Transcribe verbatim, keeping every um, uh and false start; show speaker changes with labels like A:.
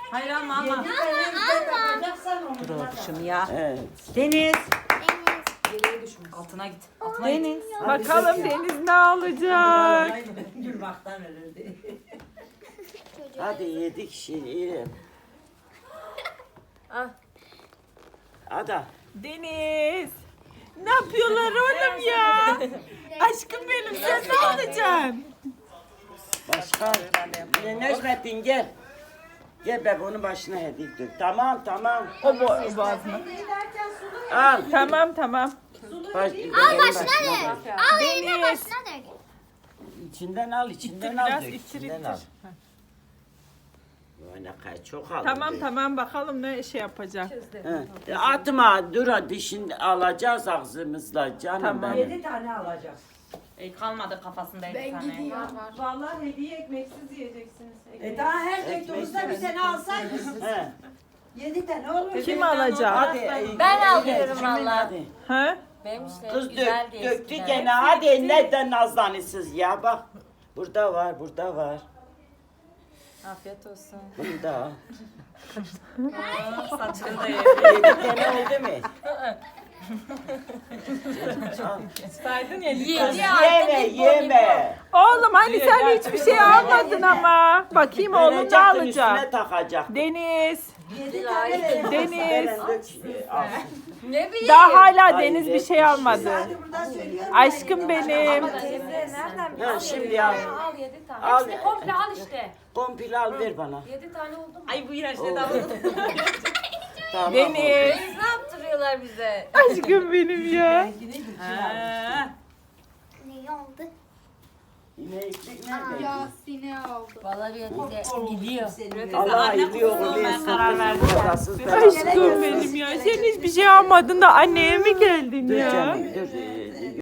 A: Hayır alma alma.
B: Dur oğlum ya.
C: Evet.
B: Deniz.
A: Geriye düşmüş. Altına git. Altına
B: Deniz.
A: git.
D: Bakalım Deniz ne alacak?
E: Gülmaktan ölürdü.
C: Hadi yedik şimdi.
A: Ah.
C: Hadi.
D: Deniz. Ne yapıyorlar oğlum ya? Aşkım benim sen ne alacaksın?
C: Başka. Ne Necmettin gel. Gel be bunun başına hediye dök. Tamam tamam.
D: O bo- boğazına.
C: Al.
D: Tamam tamam.
C: Baş,
F: Al başına dök. Al eline
D: Deniz.
F: başına dök.
C: İçinden al, içinden
D: İttir
C: al.
D: biraz,
C: dök,
D: ittir,
C: içinden
D: ittir.
C: al. Vay ne kadar çok aldın.
D: Tamam
C: be.
D: tamam bakalım ne şey yapacak.
C: He. Atma dur hadi şimdi alacağız ağzımızla canım
D: Tamam.
C: benim.
E: Yedi tane alacağız.
A: E, kalmadı kafasında bir tane.
G: Vallahi hediye ekmeksiz yiyeceksiniz.
E: E daha her teknomuzda bir tane alsaydınız.
C: He.
E: Yedi tane olur.
D: Kim alacak?
C: Hadi. e,
A: Ben
C: e,
A: alıyorum
C: kimin
A: valla.
C: hadi?
D: Ha?
A: Benim işte
C: Kız
A: güzel
C: dök,
A: diye
C: döktü
A: eskiden.
C: gene hadi neden nazlanısız ya bak. Burada var, burada var.
A: Afiyet olsun.
C: Burada.
A: Saçını da ye.
C: Yedi tane oldu mu? Al.
D: Saydın ya.
A: Yedi
C: Yeme, yeme.
D: Oğlum hani sen hiçbir şey almadın ama. Bakayım oğlum ne
C: Verecektin, üstüne
D: alacak?
C: takacak.
D: Deniz.
E: Yedi tane verin.
D: Deniz.
C: Veren dök, al.
A: Ne bileyim.
D: Daha hala
C: Hayır,
D: Deniz bir
C: hep
D: şey
C: bir
D: almadı.
E: Hadi buradan söylüyorum.
D: Aşkım benim.
A: Nereden
C: Ha, şimdi al.
A: Al yedi tane.
C: Al.
A: Hepsini komple al işte.
C: Kompil al ver bana.
A: Yedi tane oldu mu?
G: Ay bu iğrençle
C: Oo.
G: davranın.
C: Tamam.
D: Deniz.
A: Biz ne yaptırıyorlar bize?
D: Aşkım benim ya.
G: Ha.
F: Ne oldu?
C: İneklik nerede?
A: Vallahi bir gidiyor.
C: Allah hayırlı yolu versin. Parasız
D: Aşkım benim ya. Sen hiçbir şey almadın da anneye mi geldin
C: Dur
D: ya?
C: canım dur.